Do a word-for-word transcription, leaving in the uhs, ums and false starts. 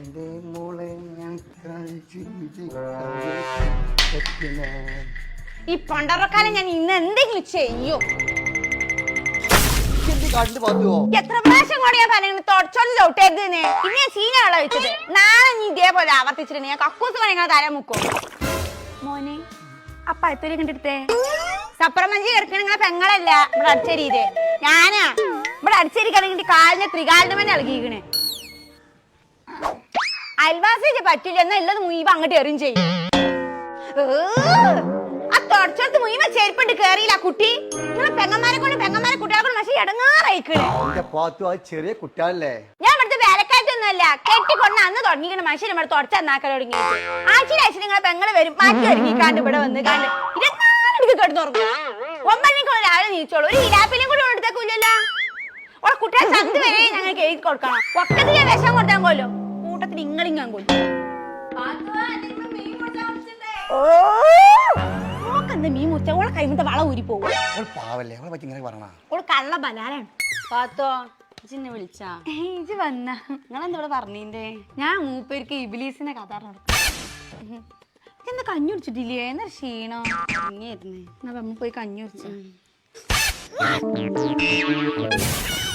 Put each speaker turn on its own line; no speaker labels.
ഈ പണ്ടറക്കാലം ഞാൻ ഇന്ന് എന്തെങ്കിലും ചെയ്യോ? എത്ര പ്രാവശ്യം കൂടെ ഞാൻ പറഞ്ഞു തുടച്ചോണ്ട് ചവിട്ടരുത് പിന്നെ ചീന വെള്ളം വെച്ചത്. നാളെ നീ ഇതേപോലെ ആവർത്തിച്ചിട്ട് ഞാൻ കക്കൂസ് പണിങ്ങളെ തല മുക്കും. മോനെ അപ്പ എത്തൊരു കണ്ടെടുത്തേ സപ്രമഞ്ചി കിടക്കണ നിങ്ങളെ പെങ്ങളല്ല ഇവിടെ അടിച്ചരിയത് ഞാനാ. ഇവിടെ അടിച്ചരിക്കണെങ്കിൽ കാലിന്റെ ത്രികാലിന്റെ തന്നെ ഇളകിക്കണേ. അയൽവാസി പറ്റില്ല എന്നാ ഉള്ളത് മുയിവ അങ്ങോട്ട് എറിയും ചെയ്യും. ആ തുടച്ചോടത്ത് മുയിവ ചെരുപ്പിട്ട് കേറിയില്ല കുട്ടി. നിങ്ങളെ പെങ്ങന്മാരെ കൊണ്ട് പെങ്ങന്മാരെ കുട്ടികളെ കൊണ്ട് പക്ഷേ ഇടങ്ങാറായിക്കണേ.
ചെറിയ കുട്ടികളല്ലേ?
ഞാൻ ഇവിടുത്തെ വേലക്കാറ്റൊന്നുമല്ല. കെട്ടിക്കൊണ്ട് അന്ന് തുടങ്ങിക്കണ മനുഷ്യൻ ഇവിടെ തുടച്ച എന്നാക്കാൻ തുടങ്ങി. ആഴ്ചയിൽ ആഴ്ച നിങ്ങളെ പെങ്ങള് വരും മാറ്റി ഒരുങ്ങിക്കാണ്ട് ഇവിടെ വന്ന് കാണ്ട് ഇരുപത്തിനാല് കിടന്നുറങ്ങും. ഒമ്പതിനേക്കുള്ള രാവിലെ നീച്ചോളൂ. ഒരു ഇലാപ്പിലും കൂടി എടുത്തേക്കില്ലല്ലോ. ഓളെ കുട്ടികളെ ചന്ത് വരെ ഞങ്ങൾക്ക് എഴുതി കൊടുക്കണം. ഒക്കത്തിൽ ഞാൻ വിഷം കൊടുത്താൽ കൊല്ലോ കൂട്ടത്തിൽ ഇങ്ങളിങ്ങാൻ കൊല്ലും. ഓക്കെന്താ മീൻ മുറിച്ച ഓളെ കൈമത്തെ വള ഊരി പോകും. ഓള് കള്ള ബലാലാണ്.
പാത്തോ ഇജിന്നെ വിളിച്ചാ
ഇജ് വന്ന
നിങ്ങളെന്താ ഇവിടെ പറഞ്ഞീന്റെ?
ഞാൻ മൂപ്പേർക്ക് ഇബിലീസിനെ കഥ നടക്കും. എന്താ കഞ്ഞി കുടിച്ചിട്ടില്ലേ? എന്നാ ക്ഷീണോ?
ഇങ്ങേരുന്നേ
എന്നാ നമ്മ പോയി കഞ്ഞി കുടിച്ചു.